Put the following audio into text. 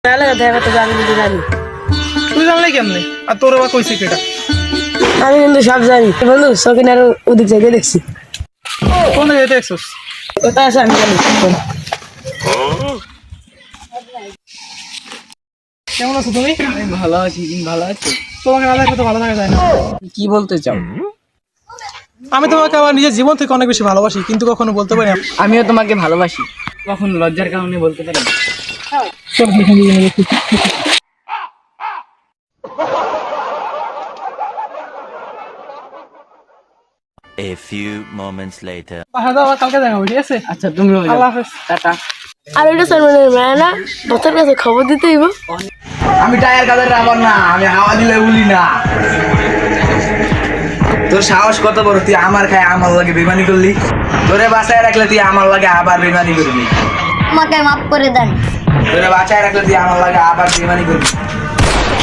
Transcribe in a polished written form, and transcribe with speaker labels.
Speaker 1: তুই জানলে কেমনে? আর তোর বা কইছে কেটা?
Speaker 2: আমি কিন্তু সব জানি বন্ধু, সকিনার ওদিক থেকে দেখছি।
Speaker 1: কোন জায়গায় দেখছস?
Speaker 2: কোথায় আছে আমি জানি।
Speaker 1: কেমন আছো তুমি?
Speaker 2: ভালো আছি, তুমি ভালো আছো?
Speaker 1: তোমাকে না দেখলে তো ভালো থাকা যায় না।
Speaker 2: কি বলতে চাও?
Speaker 1: আমি তোমাকে আমার নিজের জীবন থেকে অনেক বেশি ভালোবাসি, কিন্তু কখনো বলতে পারি না।
Speaker 2: আমিও তোমাকে ভালোবাসি, কখন লজ্জার কারণে বলতে পারি না।
Speaker 1: সব লিখে দিয়ে গেছি।
Speaker 3: A few moments later.
Speaker 1: হ্যাঁ দাও, কালকে দেখা হবে, ঠিক আছে?
Speaker 2: আচ্ছা তুমি
Speaker 1: আল্লাহ হাফেজ।
Speaker 2: টাটা।
Speaker 4: আর ওইটা সলমানের মেয়ে না, তোর কাছে খবর দিতে হইব।
Speaker 5: আমি টায়ার কাদের রাবার না, আমি হাওয়া দিলে উলি না। তোর সাহস কত বড়, তুই আমার খায় আমার লাগে বেমানি করলি? তোরে বাঁচায় রাখলে তুই আমার লাগে আবার বেমানি করবি?
Speaker 4: আমাকে মাফ করে দেন।
Speaker 5: তোরে বাঁচায় রাখলে তুই আমার লাগে আবার বেমানি করবি?